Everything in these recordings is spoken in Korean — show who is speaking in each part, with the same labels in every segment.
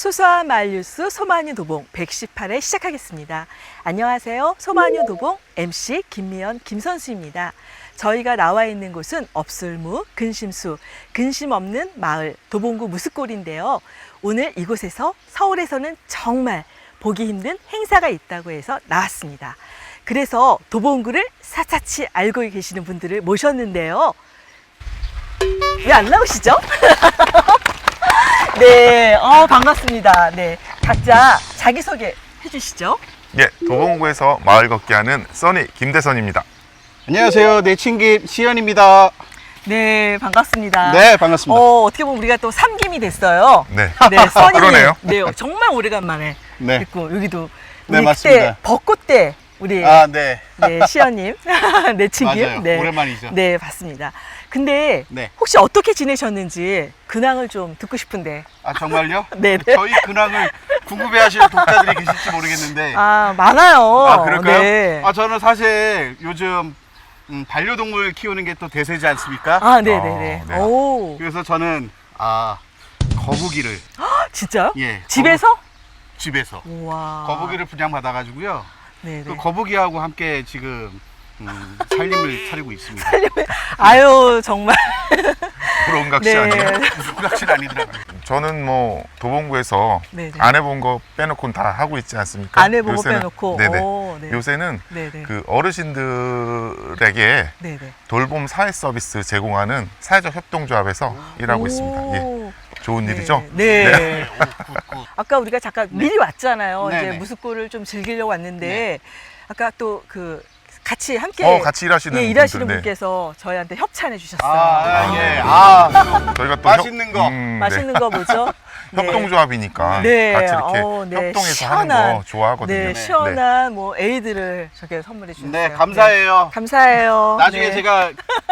Speaker 1: 소소한 마을 뉴스 소마뉴 도봉 118회 시작하겠습니다. 안녕하세요. 소마뉴 도봉 MC 김미연 김선수입니다. 저희가 나와 있는 곳은 업술무, 근심수, 근심 없는 마을 도봉구 무스골인데요. 오늘 이곳에서 서울에서는 정말 보기 힘든 행사가 있다고 해서 나왔습니다. 그래서 도봉구를 사사치 알고 계시는 분들을 모셨는데요. 왜 안 나오시죠? 네, 반갑습니다. 네, 각자 자기소개 해주시죠.
Speaker 2: 예, 도봉구에서 마을 걷기 하는 써니 김대선입니다.
Speaker 3: 안녕하세요. 내친김 시연입니다.
Speaker 1: 네, 반갑습니다.
Speaker 3: 네, 반갑습니다.
Speaker 1: 어떻게 보면 우리가 또 삼김이 됐어요.
Speaker 2: 네,
Speaker 1: 네, 써니.
Speaker 2: 그러네요.
Speaker 1: 네, 정말 오래간만에
Speaker 3: 네.
Speaker 1: 있고 여기도
Speaker 3: 네,
Speaker 1: 우리
Speaker 3: 맞습니다.
Speaker 1: 그때 벚꽃 때 우리
Speaker 3: 네.
Speaker 1: 네, 시연님, 내친김.
Speaker 3: 맞아요.
Speaker 1: 네,
Speaker 3: 오랜만이죠.
Speaker 1: 네, 봤습니다. 근데
Speaker 3: 네.
Speaker 1: 혹시 어떻게 지내셨는지 근황을 좀 듣고 싶은데.
Speaker 3: 아, 정말요?
Speaker 1: 네, 네.
Speaker 3: 저희 근황을 궁금해하시는 독자들이 계실지 모르겠는데.
Speaker 1: 많아요.
Speaker 3: 아, 그럴까요?
Speaker 1: 네.
Speaker 3: 저는 사실 요즘 반려동물 키우는 게 또 대세지 않습니까?
Speaker 1: 네네네.
Speaker 2: 네.
Speaker 1: 오,
Speaker 3: 그래서 저는 거북이를
Speaker 1: 진짜요?
Speaker 3: 예,
Speaker 1: 집에서?
Speaker 3: 집에서
Speaker 1: 우와.
Speaker 3: 거북이를 분양받아가지고요.
Speaker 1: 네네.
Speaker 3: 그 거북이하고 함께 지금 살림을 차리고 있습니다.
Speaker 1: 아유, 정말.
Speaker 2: 부러운 각시
Speaker 1: 네.
Speaker 2: 아니에요?
Speaker 3: 무슨 낚시는 아니더라고요.
Speaker 2: 저는 뭐 도봉구에서
Speaker 1: 네네.
Speaker 2: 안 해본 거 빼놓고는 다 하고 있지 않습니까?
Speaker 1: 안 해보고
Speaker 2: 요새는,
Speaker 1: 빼놓고.
Speaker 2: 네네.
Speaker 1: 오, 네.
Speaker 2: 요새는
Speaker 1: 네네.
Speaker 2: 그 어르신들에게
Speaker 1: 네네.
Speaker 2: 돌봄 사회 서비스 제공하는 사회적 협동조합에서 일하고 있습니다. 예,
Speaker 1: 오.
Speaker 2: 좋은
Speaker 1: 네.
Speaker 2: 일이죠?
Speaker 1: 네.
Speaker 3: 굿.
Speaker 1: 아까 우리가 잠깐 미리 왔잖아요.
Speaker 3: 네네.
Speaker 1: 이제 무스골을 좀 즐기려고 왔는데,
Speaker 3: 네.
Speaker 1: 아까 또 같이 함께
Speaker 2: 같이 일하시는
Speaker 1: 일하시는
Speaker 2: 분들, 네.
Speaker 1: 분께서 저희한테 협찬해 주셨어요.
Speaker 3: 예.
Speaker 2: 저희가 또
Speaker 3: 맛있는 거.
Speaker 1: 맛있는 거 뭐죠? 네.
Speaker 2: 협동조합이니까
Speaker 1: 네.
Speaker 2: 같이 이렇게
Speaker 1: 네.
Speaker 2: 협동해서
Speaker 1: 시원한,
Speaker 2: 하는 거 좋아하거든요.
Speaker 1: 네, 시원한 뭐 에이드를 저게 선물해 주셨어요.
Speaker 3: 네, 감사해요.
Speaker 1: 네, 감사해요.
Speaker 3: 나중에
Speaker 1: 네.
Speaker 3: 제가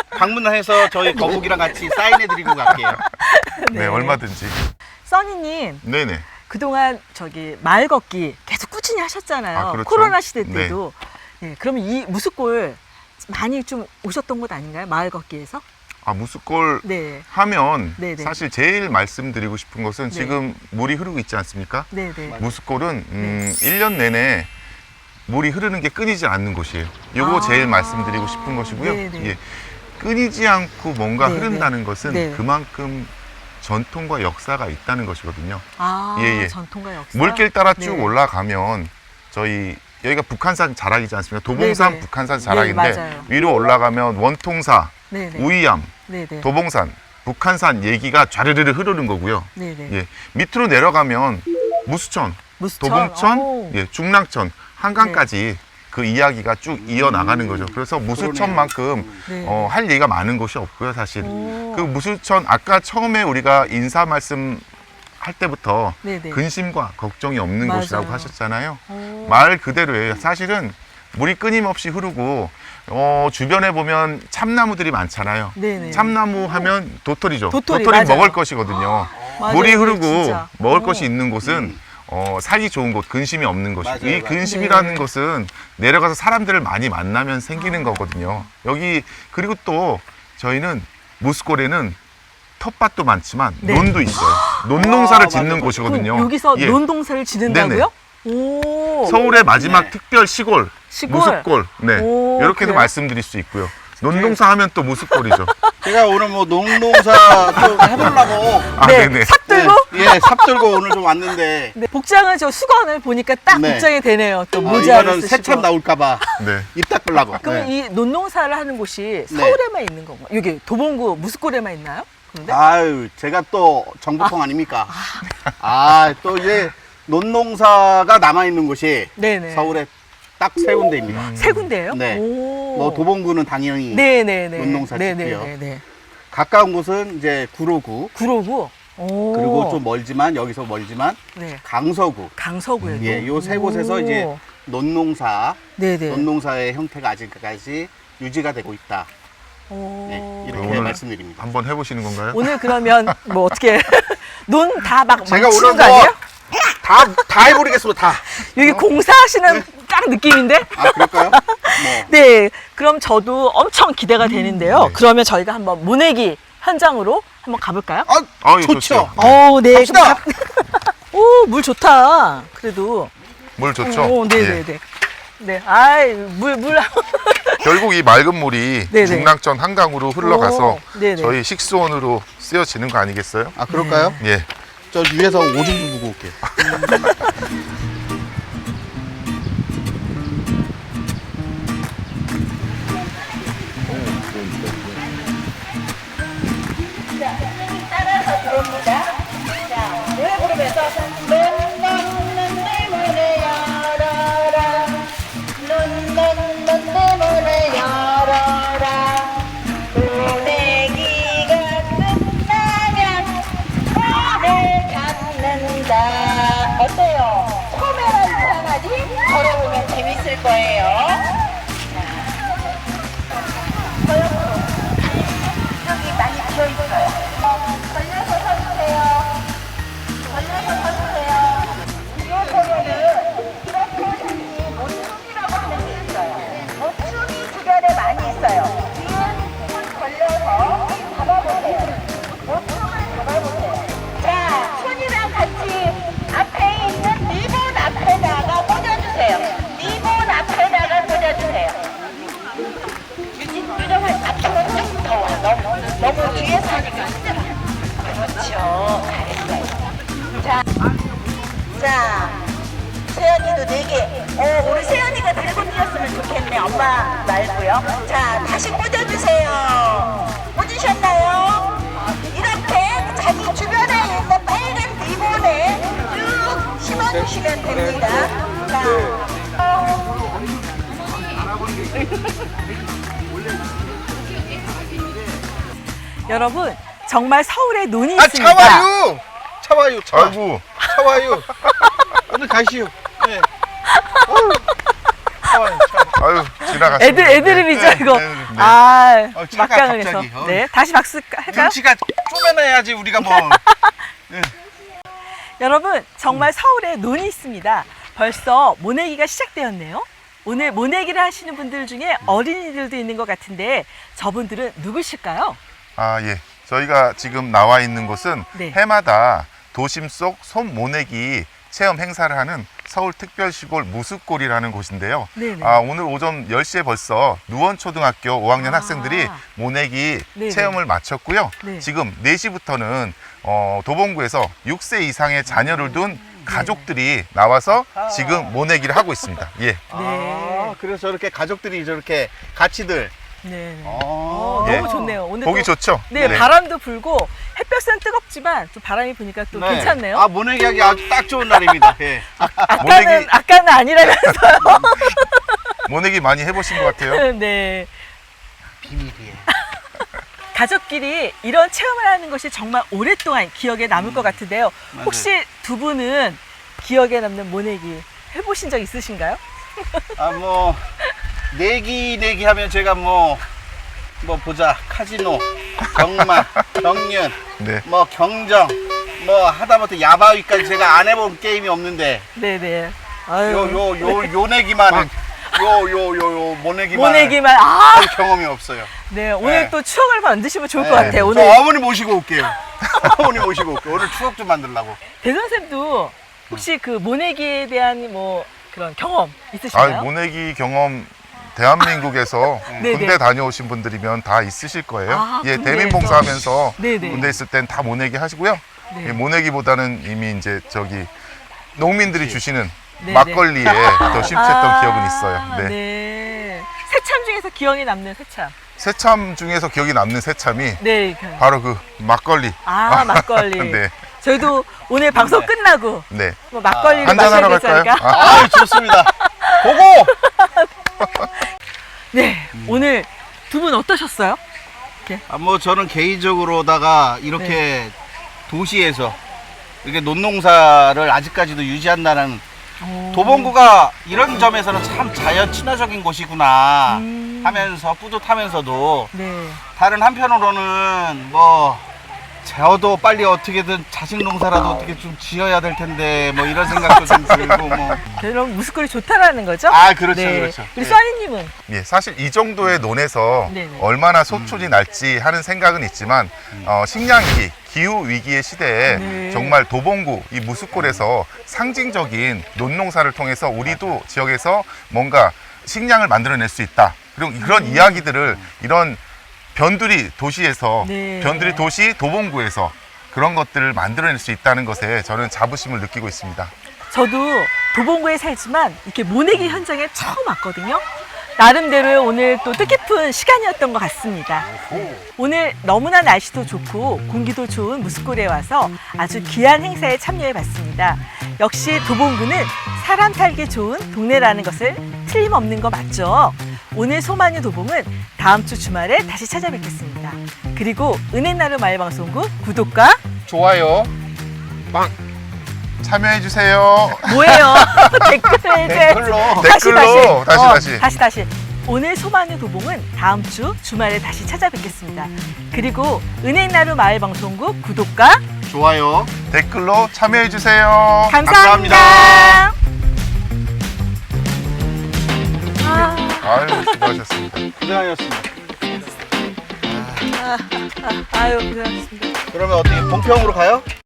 Speaker 3: 방문해서 저희 거북이랑 같이 사인해드리고 갈게요.
Speaker 2: 네, 얼마든지.
Speaker 1: 써니님,
Speaker 2: 네네.
Speaker 1: 그동안 마을 걷기 계속 꾸준히 하셨잖아요.
Speaker 2: 아, 그렇죠.
Speaker 1: 코로나 시대 때도. 네, 그러면 이 무스골 많이 좀 오셨던 곳 아닌가요? 마을 걷기에서?
Speaker 2: 무스골
Speaker 1: 네.
Speaker 2: 하면
Speaker 1: 네네.
Speaker 2: 사실 제일 말씀드리고 싶은 것은
Speaker 1: 네.
Speaker 2: 지금 물이 흐르고 있지 않습니까?
Speaker 1: 네네.
Speaker 2: 무스골은 1년 내내 물이 흐르는 게 끊이지 않는 곳이에요. 이거 제일 말씀드리고 싶은 것이고요.
Speaker 1: 네네.
Speaker 2: 예, 끊이지 않고 뭔가
Speaker 1: 네네.
Speaker 2: 흐른다는 것은
Speaker 1: 네네.
Speaker 2: 그만큼 전통과 역사가 있다는 것이거든요. 예.
Speaker 1: 전통과 역사.
Speaker 2: 물길 따라 쭉
Speaker 1: 네.
Speaker 2: 올라가면 저희 여기가 북한산 자락이지 않습니까? 도봉산
Speaker 1: 네네.
Speaker 2: 북한산
Speaker 1: 네,
Speaker 2: 자락인데
Speaker 1: 맞아요.
Speaker 2: 위로 올라가면 원통사,
Speaker 1: 네네.
Speaker 2: 우이암,
Speaker 1: 네네.
Speaker 2: 도봉산, 북한산 얘기가 좌르르르 흐르는 거고요.
Speaker 1: 네네.
Speaker 2: 예, 밑으로 내려가면 무수천,
Speaker 1: 무수천.
Speaker 2: 도봉천,
Speaker 1: 오.
Speaker 2: 예, 중랑천, 한강까지 그 이야기가 쭉 이어나가는 거죠. 그래서 무수천만큼
Speaker 1: 네.
Speaker 2: 할 얘기가 많은 곳이 없고요, 사실.
Speaker 1: 오.
Speaker 2: 그 무수천 아까 처음에 우리가 인사 말씀 할 때부터
Speaker 1: 네네.
Speaker 2: 근심과 걱정이 없는
Speaker 1: 맞아요.
Speaker 2: 곳이라고 하셨잖아요.
Speaker 1: 오.
Speaker 2: 말 그대로예요. 사실은 물이 끊임없이 흐르고 주변에 보면 참나무들이 많잖아요.
Speaker 1: 네네.
Speaker 2: 참나무 하면 도토리죠.
Speaker 1: 도토리,
Speaker 2: 도토리
Speaker 1: 맞아요.
Speaker 2: 먹을 것이거든요.
Speaker 1: 맞아요.
Speaker 2: 물이
Speaker 1: 네,
Speaker 2: 흐르고
Speaker 1: 진짜.
Speaker 2: 먹을
Speaker 1: 오.
Speaker 2: 것이 있는 곳은 살기 좋은 곳, 근심이 없는 곳이고
Speaker 3: 맞아요,
Speaker 2: 이
Speaker 3: 맞아요.
Speaker 2: 근심이라는
Speaker 1: 네.
Speaker 2: 것은 내려가서 사람들을 많이 만나면 생기는 거거든요. 여기 그리고 또 저희는 무스골에는 텃밭도 많지만
Speaker 1: 네.
Speaker 2: 논도 있어요. 논농사를
Speaker 3: 아,
Speaker 2: 짓는
Speaker 3: 맞아요.
Speaker 2: 곳이거든요.
Speaker 1: 그럼 여기서
Speaker 2: 예.
Speaker 1: 논동사를 지는다고요? 오.
Speaker 2: 서울의 마지막
Speaker 3: 네.
Speaker 2: 특별 시골,
Speaker 1: 시골?
Speaker 2: 무스골. 네,
Speaker 1: 오,
Speaker 2: 이렇게도
Speaker 1: 그래요?
Speaker 2: 말씀드릴 수 있고요. 논농사 하면 또 무스골이죠.
Speaker 3: 제가 오늘 뭐 농농사 좀 해보려고
Speaker 1: 네.
Speaker 2: 네네.
Speaker 1: 삽 들고?
Speaker 3: 삽 들고 오늘 좀 왔는데
Speaker 1: 네. 복장은 수건을 보니까 딱
Speaker 3: 네.
Speaker 1: 복장이 되네요. 또 모자를
Speaker 3: 이거는
Speaker 1: 쓰시고.
Speaker 3: 새참 나올까봐
Speaker 2: 네.
Speaker 3: 입 닦으려고.
Speaker 1: 그럼 이 논농사를 하는 곳이
Speaker 3: 네.
Speaker 1: 서울에만 있는 건가요? 여기 도봉구 무스골에만 있나요? 그런데?
Speaker 3: 아유, 제가 또 정보통 아닙니까? 또 이제 논농사가 남아있는 곳이
Speaker 1: 네네.
Speaker 3: 서울에 딱 세 군데입니다.
Speaker 1: 세 군데예요?
Speaker 3: 네.
Speaker 1: 오.
Speaker 3: 뭐 도봉구는 당연히
Speaker 1: 네네네.
Speaker 3: 논농사 짓고요.
Speaker 1: 네네네.
Speaker 3: 가까운 곳은 이제 구로구,
Speaker 1: 구로구. 오.
Speaker 3: 그리고 좀 멀지만 여기서 멀지만
Speaker 1: 네.
Speaker 3: 강서구.
Speaker 1: 강서구에도.
Speaker 3: 예, 요 세 곳에서
Speaker 1: 오.
Speaker 3: 이제 논농사,
Speaker 1: 네네.
Speaker 3: 논농사의 형태가 아직까지 유지가 되고 있다.
Speaker 1: 오.
Speaker 3: 네, 이렇게
Speaker 2: 오늘
Speaker 3: 말씀드립니다.
Speaker 2: 한번 해보시는 건가요?
Speaker 1: 오늘 그러면 뭐 어떻게 논 다 막
Speaker 3: 제가
Speaker 1: 망치는
Speaker 3: 오늘
Speaker 1: 거 아니에요?
Speaker 3: 다 해버리겠습니다. 다.
Speaker 1: 여기 공사하시는 딱 느낌인데?
Speaker 3: 아, 그럴까요? 뭐.
Speaker 1: 네, 그럼 저도 엄청 기대가 되는데요.
Speaker 2: 네.
Speaker 1: 그러면 저희가 한번 모내기 현장으로 한번 가볼까요?
Speaker 3: 아,
Speaker 2: 예,
Speaker 3: 좋죠.
Speaker 2: 네.
Speaker 1: 네.
Speaker 3: 갑시다.
Speaker 1: 오, 물 좋다. 그래도.
Speaker 2: 물 좋죠?
Speaker 1: 오,
Speaker 2: 예.
Speaker 1: 네네네. 네. 아이, 물.
Speaker 2: 결국 이 맑은 물이
Speaker 1: 네네.
Speaker 2: 중랑천 한강으로 흘러가서
Speaker 1: 오, 네네.
Speaker 2: 저희 식수원으로 쓰여지는 거 아니겠어요?
Speaker 3: 아, 그럴까요?
Speaker 2: 예.
Speaker 3: 저 위에서 오줌 좀 보고 올게요.
Speaker 4: 따라서 들어옵니다. 자, 노래 부르면서 눈 내 문을 열어라. 눈 내 문을 열어라. 보내기가 끝나면 나를 갖는다. 어때요? 소매가 이상하지? 걸어보면 재밌을 거예요. 여기 많이 비어있어요. 걸려서 서주세요. 걸려서 서주세요. 이 보면은 이렇게 모춤이라고 하는 게 있어요. 모춤이 주변에 많이 있어요. 뒤에 손 걸려서 잡아보세요. 모춤을 잡아보세요. 자, 손이랑 같이 앞에 있는 리본 앞에다가 꽂아주세요. 리본 앞에다가 꽂아주세요. 유정을 앞으로 좀 더 와. 너무 뒤에서 하니까 힘들어. 그렇죠. 잘했어요. 자, 세연이도 4개. 우리 세연이가 들고 뛰었으면 좋겠네. 엄마 말고요. 자, 다시 꽂아주세요. 꽂으셨나요? 이렇게 자기 주변에 있는 빨간 리본에 쭉 심어주시면 됩니다. 자,
Speaker 1: 여러분, 정말 서울에 눈이
Speaker 3: 아,
Speaker 1: 있습니다.
Speaker 3: 차와요! 차와요, 차와.
Speaker 2: 아이고,
Speaker 3: 차와요. 오늘 가시오. 네. 어휴, 차와요, 차와.
Speaker 2: 아유, 지나갔어요.
Speaker 1: 애드립이죠, 이거.
Speaker 2: 네.
Speaker 1: 아,
Speaker 3: 차가
Speaker 1: 막강을 해서.
Speaker 3: 갑자기. 어이.
Speaker 1: 네, 다시 박수 할까요?
Speaker 3: 눈치가 쪼매놔야지 우리가 뭐.
Speaker 1: 여러분, 정말 서울에 눈이 있습니다. 벌써 모내기가 시작되었네요. 오늘 모내기를 하시는 분들 중에 어린이들도 있는 것 같은데 저분들은 누구실까요?
Speaker 2: 아, 예. 저희가 지금 나와 있는 곳은
Speaker 1: 네.
Speaker 2: 해마다 도심 속 솜모내기 체험 행사를 하는 서울특별시골 무수골이라는 곳인데요.
Speaker 1: 네네.
Speaker 2: 아, 오늘 오전 10시에 벌써 누원초등학교 5학년
Speaker 1: 아.
Speaker 2: 학생들이 모내기
Speaker 1: 네네.
Speaker 2: 체험을 마쳤고요.
Speaker 1: 네.
Speaker 2: 지금 4시부터는 도봉구에서 6세 이상의 자녀를 둔 가족들이 나와서 지금 모내기를 하고 있습니다. 예.
Speaker 3: 아, 그래서 저렇게 가족들이 저렇게 같이들.
Speaker 1: 네.
Speaker 3: 아,
Speaker 2: 예.
Speaker 1: 너무 좋네요. 오늘
Speaker 2: 보기
Speaker 1: 또,
Speaker 2: 좋죠?
Speaker 1: 네, 바람도 불고 햇볕은 뜨겁지만 좀 바람이 부니까 또 괜찮네요.
Speaker 3: 아, 모내기하기 아주 딱 좋은 날입니다. 예.
Speaker 1: 아까는 아니라면서요.
Speaker 2: 모내기 많이 해보신 것 같아요.
Speaker 1: 네.
Speaker 3: 비밀이에요.
Speaker 1: 가족끼리 이런 체험을 하는 것이 정말 오랫동안 기억에 남을 것 같은데요.
Speaker 3: 맞아요.
Speaker 1: 혹시 두 분은 기억에 남는 모내기 해보신 적 있으신가요?
Speaker 3: 아, 뭐 내기 하면 제가 뭐 보자, 카지노, 경마, 경륜,
Speaker 2: 네.
Speaker 3: 뭐 경정, 뭐 하다못해 야바위까지 제가 안 해본 게임이 없는데
Speaker 1: 네네. 아유.
Speaker 3: 요 내기만은 요 모내기만
Speaker 1: 모내기만. 아,
Speaker 3: 경험이 없어요.
Speaker 1: 네. 오늘
Speaker 3: 네.
Speaker 1: 또 추억을 만드시면 좋을
Speaker 3: 네.
Speaker 1: 것 같아요.
Speaker 3: 저
Speaker 1: 오늘
Speaker 3: 어머니 모시고 올게요. 어머니 모시고 올게요. 오늘 추억 좀 만들려고.
Speaker 1: 대선생도 혹시 그 모내기에 대한 뭐 그런 경험 있으신가요?
Speaker 2: 아, 모내기 경험 대한민국에서
Speaker 1: 네네.
Speaker 2: 군대 다녀오신 분들이면 다 있으실 거예요.
Speaker 1: 아,
Speaker 2: 예,
Speaker 1: 군대에서.
Speaker 2: 대민봉사하면서
Speaker 1: 네네.
Speaker 2: 군대 있을 땐 다 모내기 하시고요.
Speaker 1: 네.
Speaker 2: 예, 모내기보다는 이미 이제 저기 농민들이 주시는
Speaker 1: 네네.
Speaker 2: 막걸리에 더 심취했던 기억은 있어요. 네.
Speaker 1: 네. 새참 중에서 기억에 남는 새참.
Speaker 2: 새참 중에서 기억이 남는 새참이
Speaker 1: 네.
Speaker 2: 바로 그 막걸리.
Speaker 1: 막걸리.
Speaker 2: 네.
Speaker 1: 저희도 오늘 방송 끝나고
Speaker 2: 네.
Speaker 1: 뭐 막걸리를
Speaker 2: 한잔
Speaker 1: 마셔야
Speaker 2: 하러
Speaker 1: 되지
Speaker 2: 갈까요?
Speaker 1: 않을까?
Speaker 2: 아,
Speaker 3: 아, 좋습니다. 보고.
Speaker 1: 네. 오늘 두 분 어떠셨어요?
Speaker 3: 아, 뭐 저는 개인적으로다가 이렇게 도시에서 이렇게 논농사를 아직까지도 유지한다는 도봉구가 이런 점에서는 참 자연 친화적인 곳이구나 하면서 뿌듯하면서도
Speaker 1: 네.
Speaker 3: 다른 한편으로는 뭐 저도 빨리 어떻게든 자식 농사라도 어떻게 좀 지어야 될 텐데 뭐 이런 생각도 좀 들고 뭐.
Speaker 1: 그럼 무스골이 좋다라는 거죠?
Speaker 3: 아, 그렇죠,
Speaker 1: 네.
Speaker 3: 그렇죠.
Speaker 1: 우리
Speaker 3: 예.
Speaker 1: 써니님은
Speaker 2: 예, 사실 이 정도의 논에서
Speaker 1: 네네.
Speaker 2: 얼마나 소출이 날지 하는 생각은 있지만 식량위기, 기후 위기의 시대에
Speaker 1: 네.
Speaker 2: 정말 도봉구 이 무스골에서 상징적인 논농사를 통해서 우리도 지역에서 뭔가 식량을 만들어낼 수 있다. 그리고 그런 이야기들을 이런 변두리 도시에서
Speaker 1: 네.
Speaker 2: 변두리 도시 도봉구에서 그런 것들을 만들어낼 수 있다는 것에 저는 자부심을 느끼고 있습니다.
Speaker 1: 저도 도봉구에 살지만 이렇게 모내기 현장에 처음 왔거든요. 나름대로 오늘 또 뜻깊은 시간이었던 것 같습니다. 오늘 너무나 날씨도 좋고 공기도 좋은 무스골에 와서 아주 귀한 행사에 참여해 봤습니다. 역시 도봉구는 사람 살기 좋은 동네라는 것을 틀림없는 거 맞죠? 오늘 소마뉴 도봉은 다음 주 주말에 다시 찾아뵙겠습니다. 그리고 은혜나루 마을방송국 구독과
Speaker 3: 좋아요.
Speaker 2: 참여해주세요.
Speaker 1: 뭐예요? 댓글
Speaker 3: 댓글로.
Speaker 2: 다시.
Speaker 1: 오늘 소마뉴 도봉은 다음 주 주말에 다시 찾아뵙겠습니다. 그리고 은행나루 마을방송국 구독과
Speaker 3: 좋아요.
Speaker 2: 댓글로 참여해주세요.
Speaker 1: 감사합니다.
Speaker 2: 아유, 수고하셨습니다.
Speaker 3: 고생하셨습니다.
Speaker 1: 아유 고생하셨습니다.
Speaker 3: 그러면 어떻게 본평으로 가요?